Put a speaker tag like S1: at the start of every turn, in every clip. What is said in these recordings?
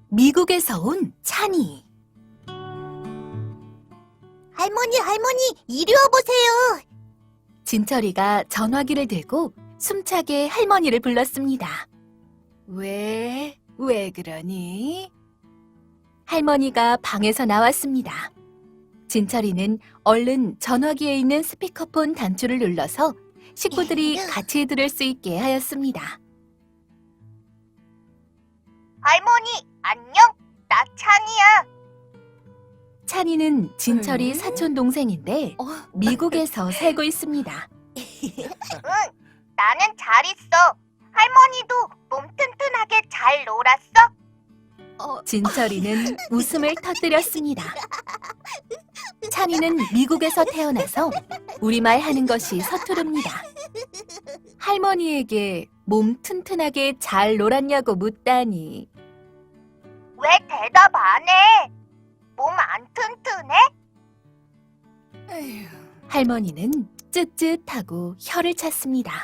S1: 미국에서 온 찬이.
S2: 할머니, 이리 와보세요.
S1: 진철이가 전화기를 들고 숨차게 할머니를 불렀습니다. 왜 그러니? 할머니가 방에서 나왔습니다. 진철이는 얼른 전화기에 있는 스피커폰 단추를 눌러서 식구들이 같이 들을 수 있게 하였습니다.
S2: 할머니, 안녕. 나 찬이야.
S1: 찬이는 진철이 사촌 동생인데 미국에서 살고 있습니다.
S2: 응, 나는 잘 있어. 할머니도 몸 튼튼하게 잘 놀았어?
S1: 진철이는 웃음을 터뜨렸습니다. 찬이는 미국에서 태어나서 우리말 하는 것이 서투릅니다. 할머니에게 몸 튼튼하게 잘 놀았냐고 묻다니.
S2: 왜 대답 안 해? 몸 안 튼튼해?
S1: 할머니는 쯧쯧하고 혀를 찼습니다.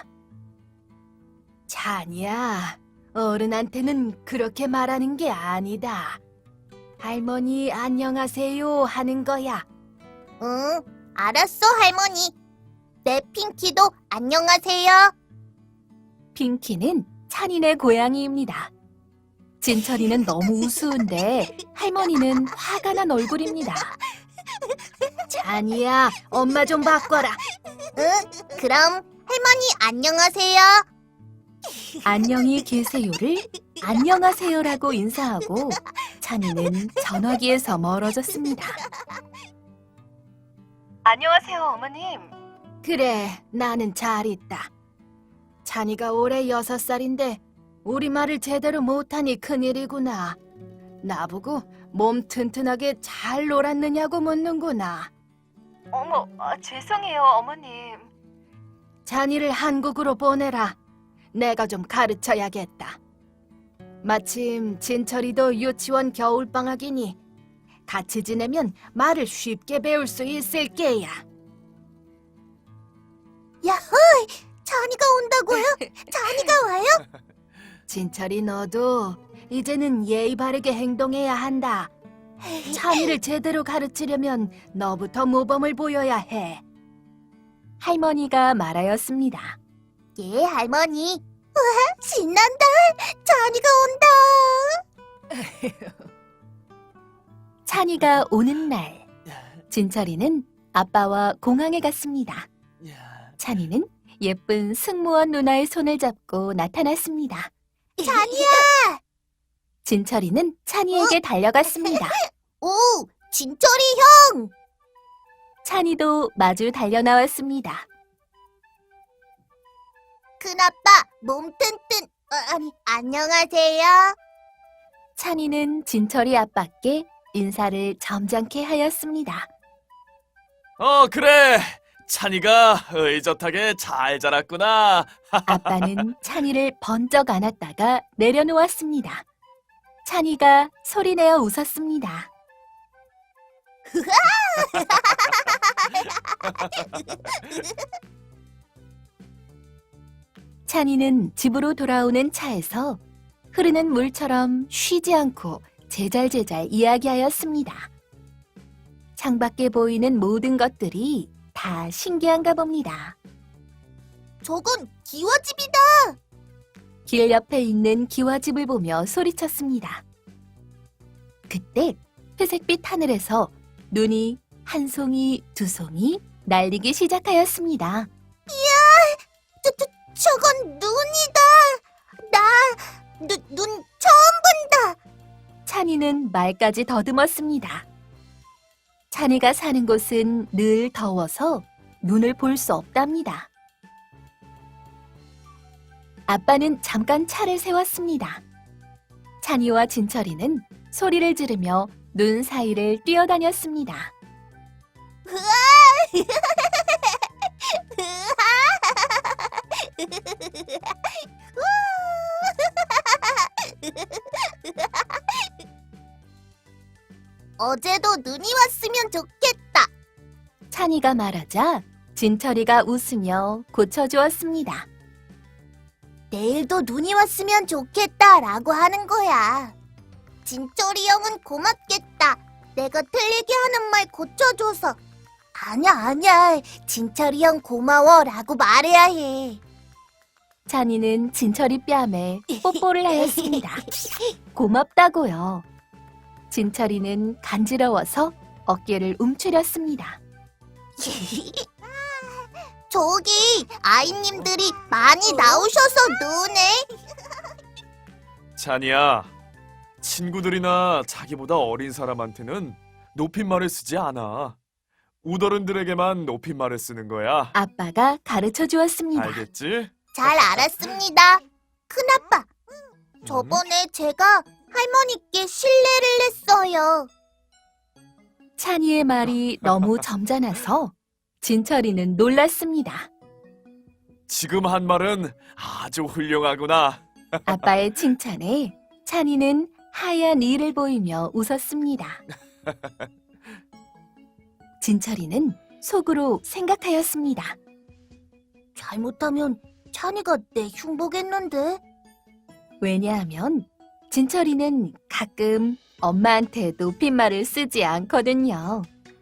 S1: 찬이야, 어른한테는 그렇게 말하는 게 아니다. 할머니 안녕하세요 하는 거야.
S2: 응, 알았어, 할머니. 내 핑키도 안녕하세요.
S1: 핑키는 찬이네 고양이입니다. 진철이는 너무 우스운데 할머니는 화가 난 얼굴입니다. 찬이야, 엄마 좀 바꿔라.
S2: 응, 그럼 할머니 안녕하세요.
S1: 안녕히 계세요를 안녕하세요라고 인사하고 찬이는 전화기에서 멀어졌습니다.
S3: 안녕하세요, 어머님.
S1: 그래, 나는 잘 있다. 찬이가 올해 6살인데 우리말을 제대로 못하니 큰일이구나. 나보고 몸 튼튼하게 잘 놀았느냐고 묻는구나.
S3: 어머, 죄송해요, 어머님.
S1: 찬이를 한국으로 보내라. 내가 좀 가르쳐야겠다. 마침 진철이도 유치원 겨울방학이니 같이 지내면 말을 쉽게 배울 수 있을 게야.
S2: 야호! 찬이가 온다고요? 찬이가 와요?
S1: 진철이 너도 이제는 예의 바르게 행동해야 한다. 찬이를 제대로 가르치려면 너부터 모범을 보여야 해. 할머니가 말하였습니다.
S2: 예, 할머니. 와, 신난다. 찬이가 온다.
S1: 찬이가 오는 날, 진철이는 아빠와 공항에 갔습니다. 찬이는 예쁜 승무원 누나의 손을 잡고 나타났습니다.
S2: 찬이야.
S1: 진철이는 찬이에게 달려갔습니다.
S2: 오, 진철이 형.
S1: 찬이도 마주 달려나왔습니다.
S2: 큰아빠 몸 튼튼. 아니, 안녕하세요.
S1: 찬이는 진철이 아빠께 인사를 점잖게 하였습니다.
S4: 그래. 찬이가 의젓하게 잘 자랐구나.
S1: 아빠는 찬이를 번쩍 안았다가 내려놓았습니다. 찬이가 소리내어 웃었습니다. 찬이는 집으로 돌아오는 차에서 흐르는 물처럼 쉬지 않고 제잘제잘 이야기하였습니다. 창밖에 보이는 모든 것들이 다 신기한가 봅니다.
S2: 저건 기와집이다.
S1: 길 옆에 있는 기와집을 보며 소리쳤습니다. 그때 회색빛 하늘에서 눈이 한 송이, 두 송이 날리기 시작하였습니다.
S2: 저건 눈이다. 눈 처음 본다.
S1: 찬이는 말까지 더듬었습니다. 찬이가 사는 곳은 늘 더워서 눈을 볼 수 없답니다. 아빠는 잠깐 차를 세웠습니다. 찬이와 진철이는 소리를 지르며 눈 사이를 뛰어다녔습니다.
S2: 어제도 눈이 왔으면 좋겠다.
S1: 찬이가 말하자 진철이가 웃으며 고쳐주었습니다.
S2: 내일도 눈이 왔으면 좋겠다라고 하는 거야. 진철이 형은 고맙겠다. 내가 틀리게 하는 말 고쳐줘서. 아니야. 진철이 형 고마워라고 말해야 해.
S1: 찬이는 진철이 뺨에 뽀뽀를 하였습니다. 고맙다고요. 진철이는 간지러워서 어깨를 움츠렸습니다.
S2: 저기 아이님들이 많이 나오셔서 노네.
S4: 찬이야, 친구들이나 자기보다 어린 사람한테는 높임말을 쓰지 않아. 우더른들에게만 높임말을 쓰는 거야.
S1: 아빠가 가르쳐 주었습니다.
S4: 알겠지?
S2: 잘 알았습니다. 큰아빠, 저번에 제가 할머니께 실례를 했어요.
S1: 찬이의 말이 너무 점잖아서 진철이는 놀랐습니다.
S4: 지금 한 말은 아주 훌륭하구나.
S1: 아빠의 칭찬에 찬이는 하얀 이를 보이며 웃었습니다. 진철이는 속으로 생각하였습니다.
S2: 잘못하면 찬이가 내 흉보겠는데?
S1: 왜냐하면 진철이는 가끔 엄마한테 높임말을 쓰지 않거든요.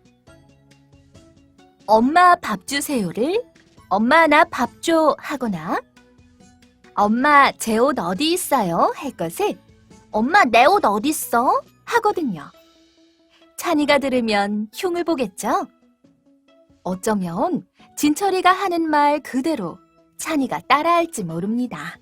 S1: 엄마 밥 주세요를 엄마 나 밥 줘 하거나 엄마 제 옷 어디 있어요 할 것을 엄마 내 옷 어디 있어 하거든요. 찬이가 들으면 흉을 보겠죠? 어쩌면 진철이가 하는 말 그대로 찬이가 따라할지 모릅니다.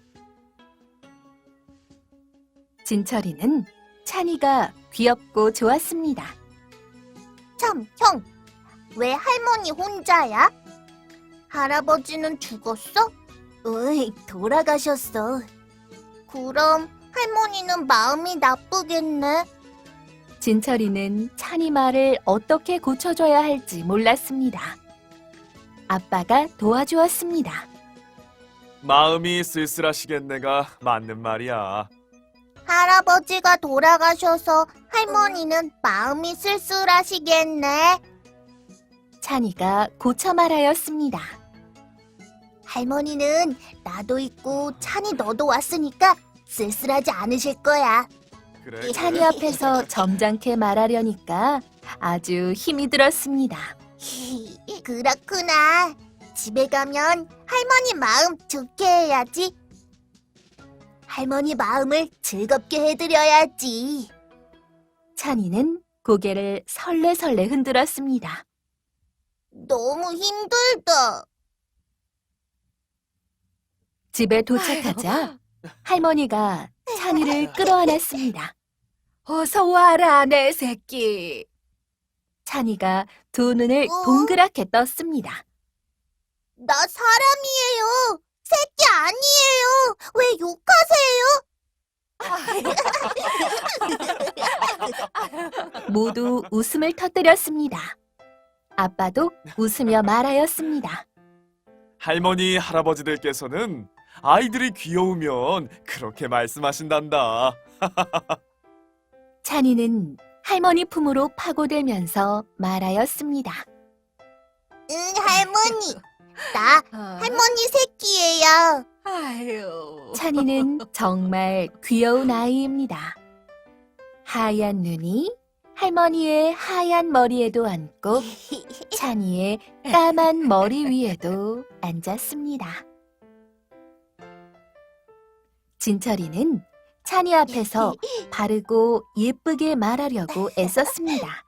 S1: 진철이는 찬이가 귀엽고 좋았습니다.
S2: 참, 형, 왜 할머니 혼자야? 할아버지는 죽었어? 으이, 돌아가셨어. 그럼 할머니는 마음이 나쁘겠네.
S1: 진철이는 찬이 말을 어떻게 고쳐줘야 할지 몰랐습니다. 아빠가 도와주었습니다.
S4: 마음이 쓸쓸하시겠네가 맞는 말이야.
S2: 할아버지가 돌아가셔서 할머니는 마음이 쓸쓸하시겠네.
S1: 찬이가 고쳐 말하였습니다.
S2: 할머니는 나도 있고 찬이 너도 왔으니까 쓸쓸하지 않으실 거야.
S4: 그래.
S1: 찬이 앞에서 점잖게 말하려니까 아주 힘이 들었습니다.
S2: 그렇구나. 집에 가면 할머니 마음 좋게 해야지. 할머니 마음을 즐겁게 해드려야지.
S1: 찬이는 고개를 설레설레 흔들었습니다.
S2: 너무 힘들다.
S1: 집에 도착하자 할머니가 찬이를 끌어안았습니다. 어서 와라 내 새끼. 찬이가 두 눈을 동그랗게 떴습니다.
S2: 나 사람이에요. 새끼 아니에요. 왜 욕하세요?
S1: 모두 웃음을 터뜨렸습니다. 아빠도 웃으며 말하였습니다.
S4: 할머니, 할아버지들께서는 아이들이 귀여우면 그렇게 말씀하신단다.
S1: 찬이는 할머니 품으로 파고들면서 말하였습니다.
S2: 응, 할머니. 나 할머니 새끼예요.
S1: 찬이는 정말 귀여운 아이입니다. 하얀 눈이 할머니의 하얀 머리에도 앉고 찬이의 까만 머리 위에도 앉았습니다. 진철이는 찬이 앞에서 바르고 예쁘게 말하려고 애썼습니다.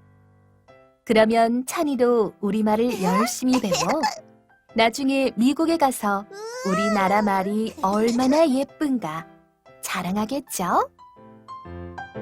S1: 그러면 찬이도 우리말을 열심히 배워 나중에 미국에 가서 우리나라 말이 얼마나 예쁜가 자랑하겠죠?